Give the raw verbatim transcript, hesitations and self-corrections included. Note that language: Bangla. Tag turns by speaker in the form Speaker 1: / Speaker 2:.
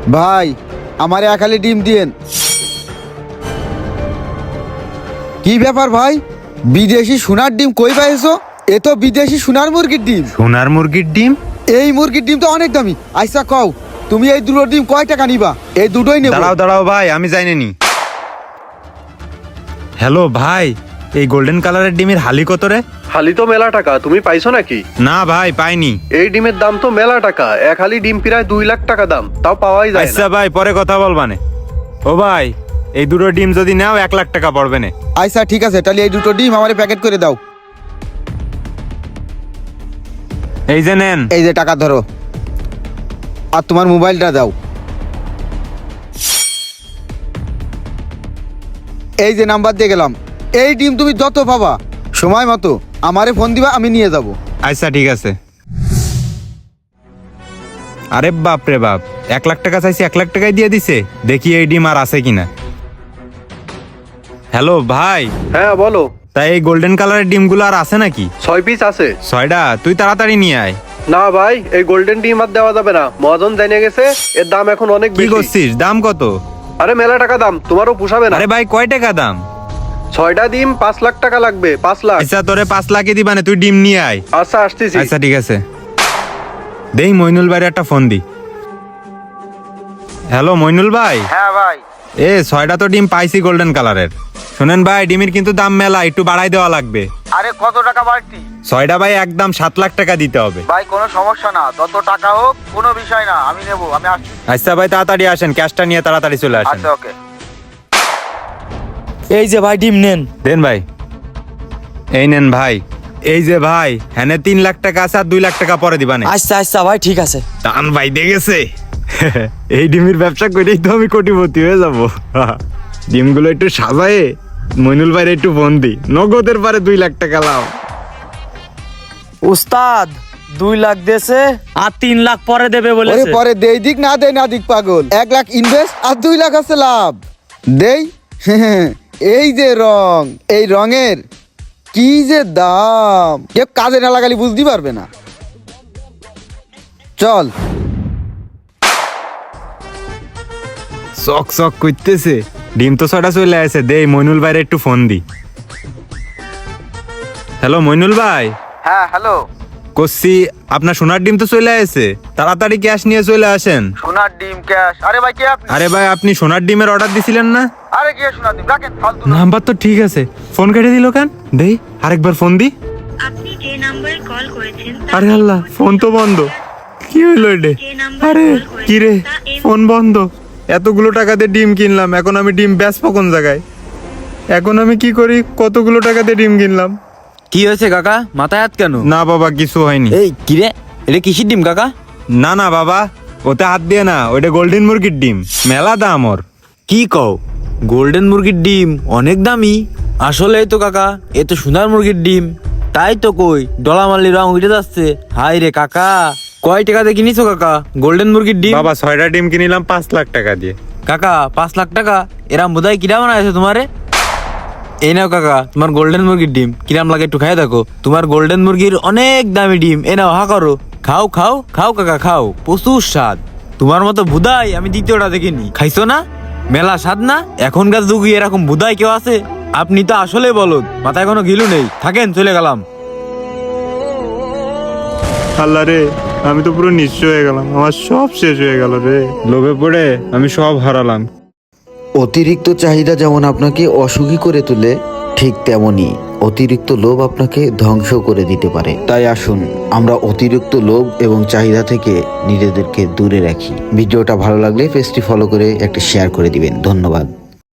Speaker 1: ভাই আমারে একালি ডিম দিয়েন। কি ব্যাপার ভাই, বিদেশি সোনার ডিম কই পাইছো? এ তো বিদেশি সোনার মুরগির ডিম।
Speaker 2: সোনার মুরগির ডিম?
Speaker 1: এই মুরগির ডিম তো অনেক দামি। আইসা কও তুমি এই দুটো ডিম কয় টাকা নিবা? এই দুটোই নেব।
Speaker 2: দাঁড়াও দাঁড়াও ভাই, আমি জানি নি। হ্যালো ভাই, এই গোল্ডেন কালারের ডিমের হালি কত রে?
Speaker 3: হালি তো মেলা টাকা, তুমি পাইছো নাকি?
Speaker 2: না ভাই, পাইনি।
Speaker 3: এই ডিমের দাম তো মেলা টাকা, এক হালি ডিম প্রায় দুই লাখ টাকা দাম, তাও পাওয়াই যায়
Speaker 2: আচ্ছা
Speaker 3: না।
Speaker 2: ভাই, পরে কথা বলবানে। ও ভাই, এই দুটো ডিম যদি নাও এক লাখ টাকা পড়বে না।
Speaker 1: আইসা ঠিক আছে, তাহলে এই দুটো ডিম আমারে প্যাকেট করে দাও।
Speaker 2: এই যে নেন।
Speaker 1: এই যে টাকা ধরো, আর তোমার মোবাইলটা দাও। এই যে নাম্বার দিয়ে গেলাম। এই ডিম তুমি যত পাবা সময় মতো আমারে ফোন দিবা, আমি নিয়ে যাব।
Speaker 2: আচ্ছা ঠিক আছে। আরে বাপ রে বাপ, এক লাখ টাকা চাইছি, এক লাখ টাকাই দিয়ে দিছে। দেখি এই ডিম আর আছে কিনা। হ্যালো ভাই,
Speaker 3: হ্যাঁ বলো।
Speaker 2: তাই এই গোল্ডেন কালারের ডিমগুলো আর আছে নাকি?
Speaker 3: ছয় পিস আছে।
Speaker 2: ছয়টা? তুই তাড়াতাড়ি নিয়ে আয়।
Speaker 3: না ভাই, এই গোল্ডেন ডিম আর দেওয়া যাবে না, মহাজন জানিয়ে গেছে এর দাম এখন অনেক
Speaker 2: কি
Speaker 3: বেশি।
Speaker 2: করছিস? দাম কত?
Speaker 3: আরে মেলা টাকা দাম, তোমারও পোষাবে না।
Speaker 2: আরে ভাই, কয় টাকা দাম?
Speaker 3: ছয়টা ডিম পাঁচ লাখ টাকা লাগবে। পাঁচ লাখ।
Speaker 2: আচ্ছা তোরে পাঁচ লাখে দিবা না, তুই ডিম নিয়ে আয়।
Speaker 3: আচ্ছা আসতেছি।
Speaker 2: আচ্ছা ঠিক আছে। দেই মইনুল ভাইয়ের একটা ফোন দি। হ্যালো মইনুল ভাই।
Speaker 1: হ্যাঁ ভাই।
Speaker 2: এ ছয়টা তো ডিম পাইছি গোল্ডেন কালারের। শুনেন ভাই, ডিমের কিন্তু দাম মেলা, একটু বাড়াই দেওয়া লাগবে।
Speaker 1: আরে কত টাকা বাড়তি?
Speaker 2: ছয়টা ভাই একদম সাত লাখ টাকা দিতে হবে।
Speaker 1: ভাই কোনো সমস্যা না, যত টাকা হোক কোনো বিষয় না, আমি নেব, আমি আসছি।
Speaker 2: আচ্ছা ভাই তাড়াতাড়ি আসেন, ক্যাশটা নিয়ে তাড়াতাড়ি চলে আসেন।
Speaker 1: আচ্ছা ওকে।
Speaker 4: এই যে ভাই ডিম নেন।
Speaker 2: দেন ভাই। এই নেন ভাই। এই যে ভাই, হ্যাঁ তিন লাখ টাকা আছে, আর দুই লাখ টাকা পরে দিবানে।
Speaker 4: আচ্ছা আচ্ছা ভাই ঠিক আছে।
Speaker 2: টান ভাই দেখেছে। এই ডিমের ব্যবসা করেই তো আমি কোটিপতি হয়ে যাব। ডিমগুলো একটু সাজায়ে মইনুল ভাইয়ের একটু ফোন দি, নগদের পারে দুই লাখ টাকা লাভ।
Speaker 4: উস্তাদ দুই লাখ দেছে আর তিন লাখ পরে দেবে
Speaker 1: ওরে
Speaker 4: বলেছে।
Speaker 1: পরে দেই দিক না দেই না দিক পাগল, এক লাখ ইনভেস্ট আর দুই লাখ আছে লাভ। দেই। এই যে রং, এই রঙের কি যে দাম, কেউ কাজে না লাগালে বুঝতে পারবে না। চল।
Speaker 2: চক চক করতেছে। ডিম তো ছটা চলে আসে, দেই মইনুল ভাইয়ের একটু ফোন দি। হ্যালো মইনুল ভাই।
Speaker 1: হ্যাঁ হ্যালো।
Speaker 2: করছি, আপনার সোনার ডিম তো চলে আসে, তাড়াতাড়ি ক্যাশ নিয়ে চলে আসেন।
Speaker 1: সোনার ডিম ক্যাশ? আরে ভাই কে আপনি?
Speaker 2: আরে ভাই, আপনি সোনার ডিমের অর্ডার দিছিলেন না?
Speaker 1: আরে কে সোনার ডিম? রাখেন ফালতু না।
Speaker 2: নাম্বার তো ঠিক আছে, ফোন কেটে দিল কেন? দেই আরেকবার ফোন দি।
Speaker 5: আপনি যে নম্বরে কল করেছেন তা
Speaker 2: আরে আল্লাহ, ফোন তো বন্ধ। কি হইলো এটা?
Speaker 5: যে নাম্বারে
Speaker 2: আরে
Speaker 5: কল করেছেন
Speaker 2: কি রে,
Speaker 5: তা এই
Speaker 2: ফোন বন্ধ। এতগুলো টাকা দিয়ে ডিম কিনলাম, এখন আমি ডিম বেচবো কোন জায়গায়? এখন আমি কি করি? কতগুলো টাকা দিয়ে ডিম কিনলাম।
Speaker 4: কি হয়েছে কাকা, মাথায় হাত কেন?
Speaker 2: না বাবা, কিছু হয়নি।
Speaker 4: এই কিরে, এটা কিসের ডিম কাকা?
Speaker 2: না না বাবা, ওতে হাত দিয়ে না, ওইটা গোল্ডেন মুরগির ডিম, মেলা দাম ওর।
Speaker 4: কি কও, গোল্ডেন মুরগির ডিম অনেক দামি? আসলে তো কাকা, এ তো সোনার মুরগির ডিম। তাই তো কই ডলামালি রং উঠে যাচ্ছে। হাই রে কাকা, কয় টাকাতে কিনিছো কাকা গোল্ডেন মুরগির ডিম?
Speaker 2: বাবা ছয়টা ডিম কিনিলাম পাঁচ লাখ টাকা দিয়ে।
Speaker 4: কাকা পাঁচ লাখ টাকা? এরাম বোধহয় কিরা বানাইছে তোমারে। এই নাও কাকা তোমার গোল্ডেন মুরগির ডিম, কিরাম লাগে একটু খাই দেখো। তোমার গোল্ডেন মুরগির অনেক দামি ডিম, এ নাও হা করো, খাও খাও খাও কাকা খাও, প্রচুর স্বাদ। তোমার মতো বুদাই আমি দ্বিতীয়টা দেখিনি। খাইছো না? মেলা স্বাদ না? এখনকার যুগে এরকম বুদাই কেউ আছে? আপনি তো আসলে বলদ, মাথায় কোনো গিলু নেই। থাকেন, চলে গেলাম।
Speaker 2: আল্লাহ রে, আমি তো পুরো নিঃস্ব হয়ে গেলাম, আমার সব শেষ হয়ে গেল রে। লোভে পড়ে আমি সব হারালাম।
Speaker 6: অতিরিক্ত চাহিদা যেমন আপনাকে অসুখী করে তোলে, ঠিক তেমনি অতিরিক্ত লোভ আপনাকে ধ্বংস করে দিতে পারে। তাই আসুন আমরা অতিরিক্ত লোভ এবং চাহিদা থেকে নিজেদেরকে দূরে রাখি। ভিডিওটা ভালো লাগলে পেজটি ফলো করে একটা শেয়ার করে দিবেন। ধন্যবাদ।